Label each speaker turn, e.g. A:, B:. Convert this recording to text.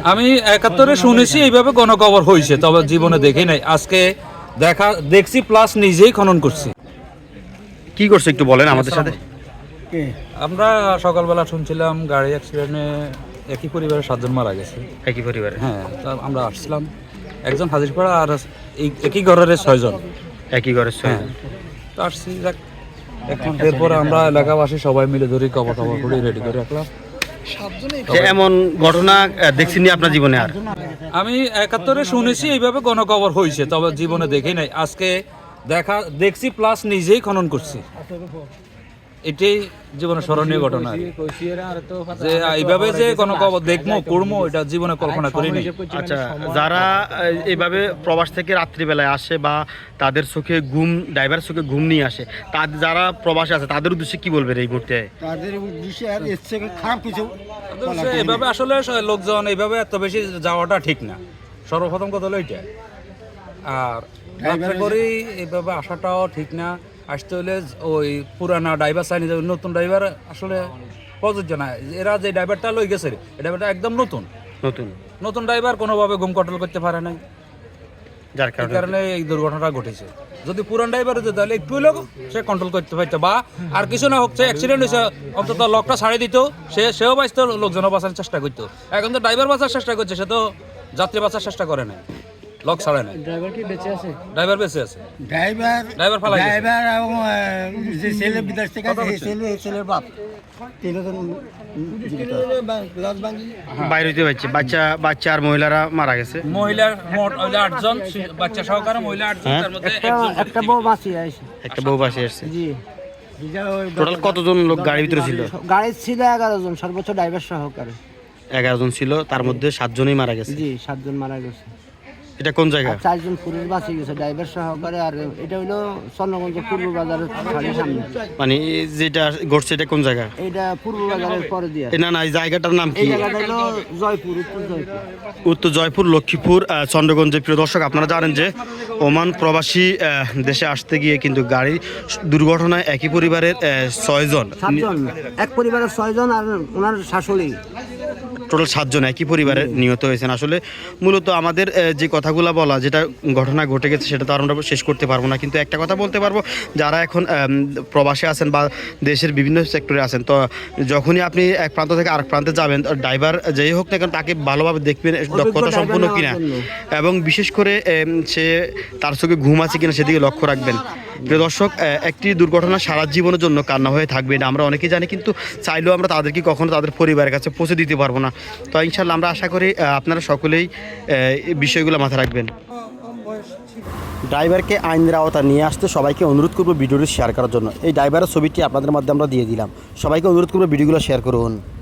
A: আমি 71-এ শুনেছি এইভাবে গণকবর হয়েছে, তবে জীবনে দেখি নাই। আজকে দেখছি প্লাস নিজেই খনন করছি।
B: কি করছে একটু বলেন আমাদের সাথে।
A: আমরা সকালবেলা শুনছিলাম গাড়ি অ্যাক্সিডেন্টে একই পরিবারের 7 জন মারা গেছে।
B: একই পরিবারে?
A: হ্যাঁ, তা আমরা আসছিলাম, একজন হাজিরপাড়া আর একই ঘরের 6 জন।
B: একই ঘরের 6 জন।
A: তো আসছি, এখন এরপরে আমরা এলাকাবাসী সবাই মিলে ধরি কবর টবর করে রেডি করে রাখলাম।
B: এমন ঘটনা দেখছিনি আপনার জীবনে? আর
A: আমি 71-এ শুনেছি এইভাবে গণকবর হয়েছে, তবে জীবনে দেখি নাই। আজকে দেখছি প্লাস নিজেই খনন করছি। এটাই জীবনে স্মরণীয় ঘটনা, যে এইভাবে যে গণকবর দেখবো করবো, এটা জীবনে কল্পনা করিনি।
B: আচ্ছা, যারা এইভাবে প্রবাস থেকে রাত্রিবেলায় আসে বা তাদের চোখে ঘুম, ড্রাইভার চোখে ঘুম নিয়ে আসে, তাদের যারা প্রবাসে আছে তাদের উদ্দেশ্যে কি বলবেন এই মুহূর্তে?
C: তাদের উদ্দেশ্যে আর এর থেকে খারাপ কিছু
A: এইভাবে আসলে লোকজন এইভাবে এত বেশি যাওয়াটা ঠিক না। সর্বপ্রথম কথা হলো এইটা। আর রাত্রে করে এইভাবে আসাটাও ঠিক না। আসতে হলে ওই পুরানা ড্রাইভার চাইনি, নতুন ড্রাইভার আসলে প্রযোজ্য না। এরা যে ড্রাইভারটা লই গেছে, এই ড্রাইভারটা একদম নতুন ড্রাইভার, কোনোভাবে ঘুম কন্ট্রোল করতে পারে নাই, যার কারণে এই দুর্ঘটনাটা ঘটেছে। যদি পুরান ড্রাইভার হতো তাহলে একটু লোক সে কন্ট্রোল করতে পারতো, বা আর কিছু না হোক, অ্যাক্সিডেন্ট হয়েছে অন্তত লকটা ছাড়িয়ে দিত, সেও বাঁচতো, লোকজনও বাঁচার চেষ্টা করতো। এখন তো ড্রাইভার বাঁচার চেষ্টা করছে, সে তো যাত্রী বাঁচার চেষ্টা করে না, লক ছাড়ে না।
C: ড্রাইভার কি বেঁচে আছে?
A: ড্রাইভার বেঁচে আছে।
C: ড্রাইভার ফালাই গেছে। ড্রাইভার এবং যে ছেলে বিদেশ থেকে আসে, এই ছেলের বাপ তিনজন
B: বাইরে হইতে পারছে। বাচ্চা আর মহিলারা মারা গেছে।
A: মহিলার মোট 8 জন, বাচ্চা সহকারে মহিলা 8 জন, তার মধ্যে
C: একটা বউ বাঁচিয়ে আসে।
B: একটা বউ বাঁচিয়ে আসছে।
C: জি।
B: টোটাল কতজন লোক গাড়ির ভিতরে ছিল?
C: গাড়ি ছিল 11 জন, সর্বোচ্চ ড্রাইভার সহকারে
B: 11 জন ছিল, তার মধ্যে 7 জনই মারা গেছে।
C: জি, 7 জন মারা গেছে।
B: এটা কোন জায়গা?
C: 4 জন পুরুষ বাঁচিয়ে গেছে, ড্রাইভার সহকারে। আর এটা হলো চন্দ্রগঞ্জ পূর্ব বাজারের সামনে।
B: মানে যেটা ঘটছে এটা কোন জায়গা?
C: এটা পূর্ব বাজারের পরে দিয়ে।
B: না, এই জায়গাটার নাম কি?
C: এই জায়গাটা হলো জয়পুর,
B: উত্তর জয়পুর, লক্ষ্মীপুর, চন্দ্রগঞ্জে। প্রিয় দর্শক, আপনারা জানেন যে ওমান প্রবাসী দেশে আসতে গিয়ে কিন্তু গাড়ি দুর্ঘটনায় একই পরিবারের 6 জন,
C: এক পরিবারের 6 জন আর ওনার শাশুড়ি,
B: টোটাল 7 জন একই পরিবারে নিহত হয়েছেন। আসলে মূলত আমাদের যে কথাগুলো বলা, যেটা ঘটনা ঘটে গেছে সেটা তো আমরা শেষ করতে পারবো না, কিন্তু একটা কথা বলতে পারবো, যারা এখন প্রবাসে আছেন বা দেশের বিভিন্ন সেক্টরে আছেন, তো যখনই আপনি এক প্রান্ত থেকে আরেক প্রান্তে যাবেন, ড্রাইভার যেই হোক না কেন তাকে ভালোভাবে দেখবেন দক্ষতা সম্পূর্ণ কিনা, এবং বিশেষ করে সে তার চোখে ঘুম আছে কিনা সেদিকে লক্ষ্য রাখবেন। প্রিয় দর্শক, একটি দুর্ঘটনা সারা জীবনের জন্য কান্না হয়ে থাকবে, এটা আমরা অনেকেই জানি, কিন্তু চাইলেও আমরা তাদেরকে কখনো তাদের পরিবারের কাছে পৌঁছে দিতে পারবো না। তো ইনশাল্লাহ আমরা আশা করি আপনারা সকলেই এই বিষয়গুলো মাথায় রাখবেন। ড্রাইভারকে আইনের আওতা নিয়ে আসতে সবাইকে অনুরোধ করবো ভিডিওটি শেয়ার করার জন্য। এই ড্রাইভারের ছবিটি আপনাদের মধ্যে আমরা দিয়ে দিলাম, সবাইকে অনুরোধ করবো ভিডিওগুলো শেয়ার করুন।